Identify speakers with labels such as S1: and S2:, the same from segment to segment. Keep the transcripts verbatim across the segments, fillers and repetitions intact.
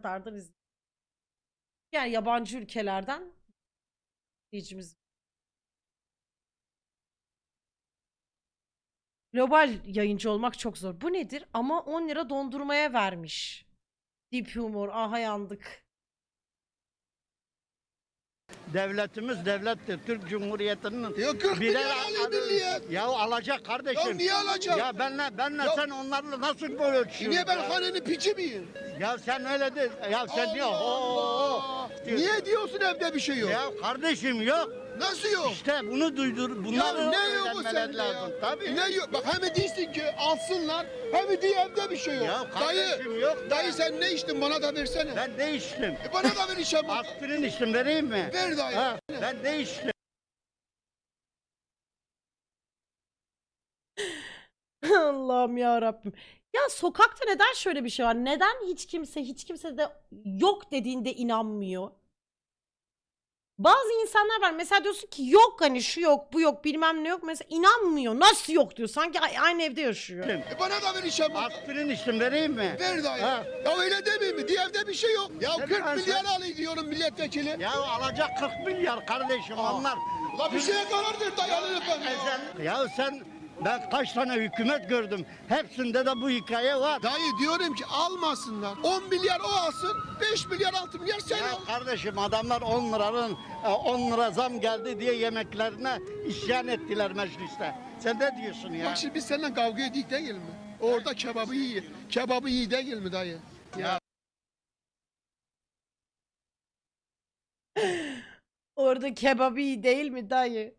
S1: kadardır izledim. Yani yabancı ülkelerden izleyicimiz. Global yayıncı olmak çok zor. Bu nedir? Ama on lira dondurmaya vermiş. Deep humor. Aha yandık.
S2: Devletimiz devlettir. Türk Cumhuriyeti'nin
S3: Ya kırk
S2: birer
S3: milyar alayım milliyet.
S2: Ya alacak kardeşim.
S3: Ya niye alacak?
S2: Ya benle benle
S3: Ya-
S2: sen onlarla nasıl böyle ölçüyorsun?
S3: Niye ben
S2: ya?
S3: hanenin piçi miyim?
S2: Ya sen öyle de ya sen diyor.
S3: Allah Allah. Niye diyorsun evde bir şey yok?
S2: Ya kardeşim yok.
S3: Nasıl yok?
S2: İşte bunu duydur. Bunları
S3: Ya ne yok o
S2: öğrenmeler
S3: sende
S2: lazım.
S3: ya?
S2: Tabii.
S3: Ne yok? Bak hem değilsin ki alsınlar hem de evde bir şey yok.
S2: Ya kardeşim
S3: dayı,
S2: yok.
S3: dayı sen ne içtin bana da versene.
S2: Ben ne içtim?
S3: E bana da ver işe bak.
S2: Aspirin içtim, vereyim mi?
S3: Ver dayı.
S2: Ha, ben ne içtim?
S1: Allah'ım ya Rabbim. Ya sokakta neden şöyle bir şey var? Neden hiç kimse hiç kimse de yok dediğinde inanmıyor? Bazı insanlar var. Mesela diyorsun ki yok hani şu yok bu yok bilmem ne yok. Mesela inanmıyor. Nasıl yok diyor. Sanki a- aynı evde yaşıyor.
S3: E bana da ver işe bak.
S2: Aspirin içtim, vereyim mi?
S3: Ver dayı.
S2: Ha.
S3: Ya öyle demeyeyim mi? Diye evde bir şey yok. Ya
S2: Sen-
S3: kırk
S2: sen-
S3: milyar alayım diyorum milletvekili.
S2: Ya alacak kırk milyar kardeşim onlar.
S3: La bir şeye karar ver dayı alın efendim.
S2: Sen, ya sen ben kaç tane hükümet gördüm. Hepsinde de bu hikaye var.
S3: Dayı diyorum ki almasınlar. on milyar o alsın, beş milyar altı milyar sen
S2: Ya
S3: al.
S2: kardeşim adamlar on liranın e, on lira zam geldi diye yemeklerine isyan ettiler mecliste. Sen ne diyorsun ya?
S3: Bak şimdi biz seninle kavga edik değil mi? Orada kebabı iyi. Kebabı iyi değil mi dayı?
S2: Ya
S1: Orada kebabı iyi değil mi dayı?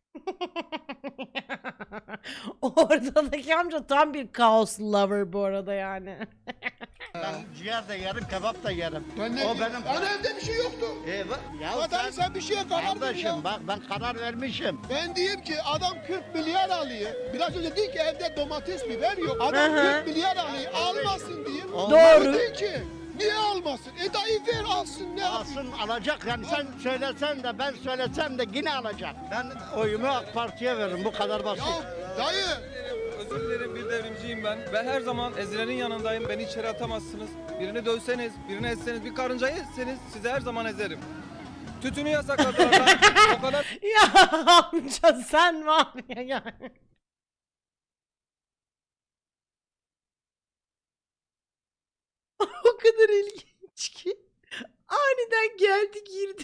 S1: Oradaki amca tam bir kaos lover bu arada yani.
S2: ben ciğer de yerim, kebap da yerim.
S3: Ben ne
S2: o
S3: diyeyim?
S2: benim.
S3: Hani evde bir şey yoktu.
S2: E, ba- ya
S3: Ama dayı sen bir şeye karar ver
S2: kardeşim
S3: ya.
S2: bak ben karar vermişim.
S3: Ben diyeyim ki adam kırk milyar alıyor. Biraz önce dedi ki evde domates biber yok. Adam
S1: Hı hı.
S3: kırk milyar alıyor. Almasın diyeyim.
S1: Doğru.
S3: Dedi ki niye almasın? E dayı ver alsın ne yapayım?
S2: Alsın alacak yani sen söylesen de ben söylesem de yine alacak. Ben oyumu AK Parti'ye veririm bu kadar basit.
S3: Ya dayı
S4: Özür dilerim bir devrimciyim ben. Ben her zaman ezilenin yanındayım. Beni içeri atamazsınız. Birini dövseniz, birini etseniz, bir karıncayı etseniz sizi her zaman ezerim. Tütünü yasakladılar lan. O kadar
S1: Ya amca sen var ya yani. O kadar ilginç ki. Aniden geldi girdi.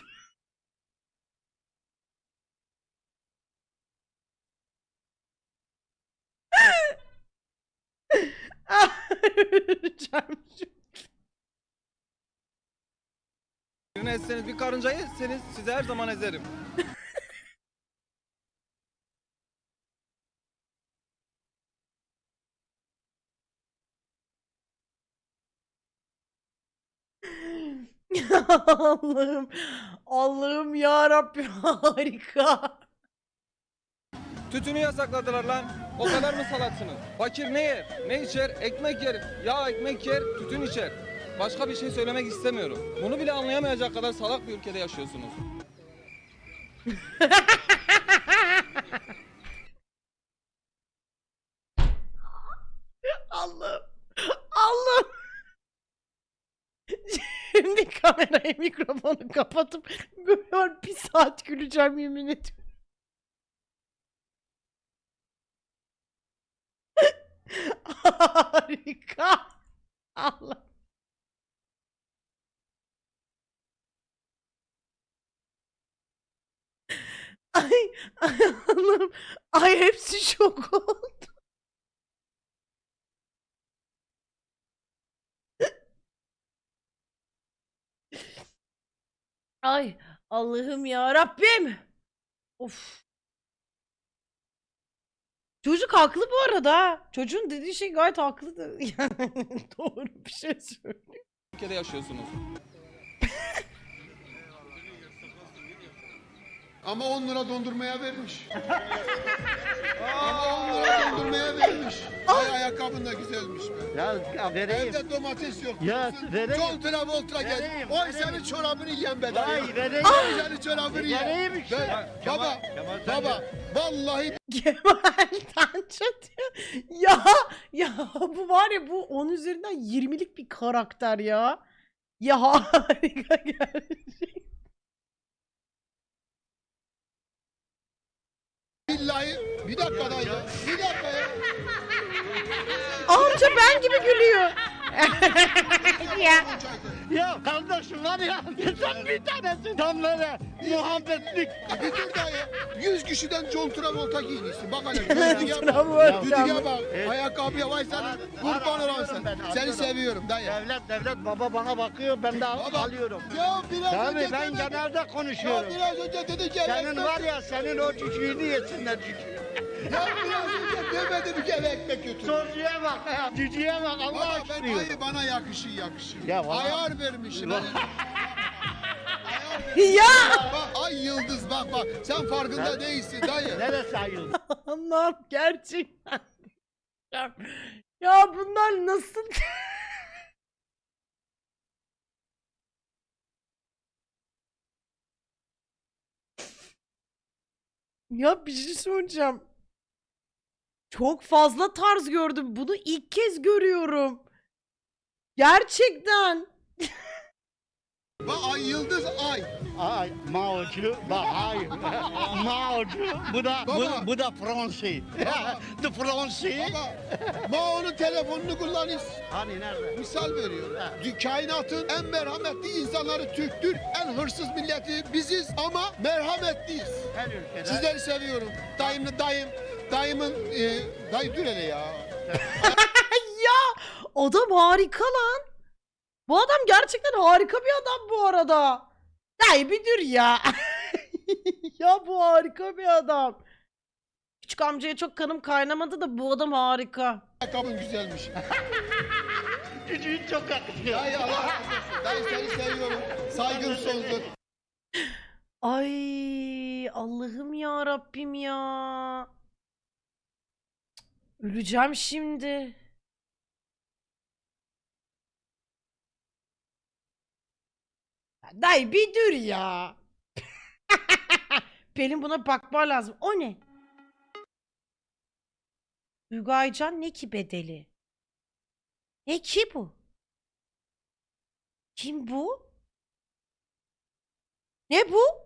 S1: Öleceğim şimdi.
S4: birini etseniz, bir karıncayı etseniz sizi her zaman ezerim.
S1: Allah'ım. Allah'ım ya Rabbim harika.
S4: Tütünü yasakladılar lan. O kadar mı salaksınız? Fakir ne yer? Ne içer? Ekmek yer. Ya ekmek yer, tütün içer. Başka bir şey söylemek istemiyorum. Bunu bile anlayamayacak kadar salak bir ülkede yaşıyorsunuz.
S1: Allah'ım. Allah'ım. Şimdi kamerayı mikrofonu kapatıp böyle bir saat güleceğim yemin ediyorum. Harika. Allah. Ay, ay Allah'ım. Ay hepsi şok oldu. Ay Allah'ım ya Rabbim. Of. Çocuk haklı bu arada. Ha. Çocuğun dediği şey gayet haklı da. Yani doğru bir şey söylüyor.
S4: Ülkede yaşıyorsunuz.
S3: ama on lira dondurmaya vermiş. ama on lira dondurmaya vermiş. Ay ayakkabın da güzelmiş be.
S2: Ya, ya vereyim.
S3: Evde domates yok.
S2: Ya,
S3: diyorsun.
S2: vereyim.
S3: John Travolta geldi.
S2: Vereyim,
S3: Oy
S2: vereyim.
S3: senin çorabını yiyen be dayı.
S2: Vay vereyim.
S3: Oy senin çorabını yiyen.
S2: Vereyim işte.
S3: Ben-
S4: Kemal-
S3: baba,
S4: Kemal sen
S3: baba, vallahi
S1: Kemal Tança diyor. Ya ya bu var ya bu on üzerinden yirmilik bir karakter ya. Ya harika gerçek.
S3: Billahi bir dakika dayı. Bir dakika ya.
S1: Amca ben gibi gülüyor. Ya.
S2: Ya kardeşim var ya sen bir tanesin. Tam böyle muhabbetlik.
S3: Bir dur dayı. Yüz kişiden John Travolta giymişsin. Bak hele. Düdüğe bak.
S1: Travolta.
S3: Düdüğe bak.
S2: Evet.
S3: Ayakkabıya vay sana. Kurban olan sen.
S2: Ben
S3: Seni
S2: anladım.
S3: seviyorum dayı.
S2: Devlet devlet baba bana bakıyor ben de
S3: Baba,
S2: alıyorum.
S3: Ya biraz
S2: Tabii
S3: önce
S2: ben
S3: demedin.
S2: genelde
S3: Ya
S2: konuşuyorum.
S3: biraz önce dedi ki eve
S2: Senin
S3: ekmek-
S2: var ya senin o cücüğünü yesinler cücüğü.
S3: Ya biraz önce demedin ki eve ekmek götür.
S2: Soruya bak ya. Cücüğe bak Allah
S3: Baba ben
S2: aşkına.
S3: dayı bana yakışır yakışır.
S2: Ya valla-
S3: Ayar vermişim.
S2: Valla-
S1: Ya.
S3: Bak ay yıldız bak bak. Sen farkında değilsin dayı.
S2: Neresi ayıldı?
S1: Allah'ım gerçekten. Ya bunlar nasıl? Ya bir şey söyleyeceğim. Çok fazla tarz gördüm. Bunu ilk kez görüyorum. Gerçekten.
S3: Bak ay yıldız ay.
S2: Ay Mao'cu bak hayır. Mao'cu bu da
S3: Baba.
S2: bu, bu da Fransi. The Fransi.
S3: Baba Mao'nun telefonunu kullanır.
S2: Hani nerede?
S3: Misal veriyorum. Dü- Kainatın en merhametli insanları Türktür. En hırsız milleti biziz ama merhametliyiz.
S2: Her ülkede.
S3: Sizleri seviyorum. Dayımlı dayım. Dayımın e, dayı dur hele ya.
S1: Ya adam harika lan. Bu adam gerçekten harika bir adam bu arada. Ya bir dur ya. Ya bu harika bir adam. Küçük amcaya çok kanım kaynamadı da bu adam harika.
S3: Ayakkabın güzelmiş.
S2: Cücüğün çok yakışıyor.
S3: Dayı Allah razı olsun. Dayı seni seviyorum. Saygım sonsuz.
S1: Ay Allah'ım ya Rabbim ya. Öleceğim şimdi. Dayı bir dur ya. Pelin buna bakma lazım. O ne? Duygu Aycan ne ki bedeli? Ne ki bu? Kim bu? Ne bu?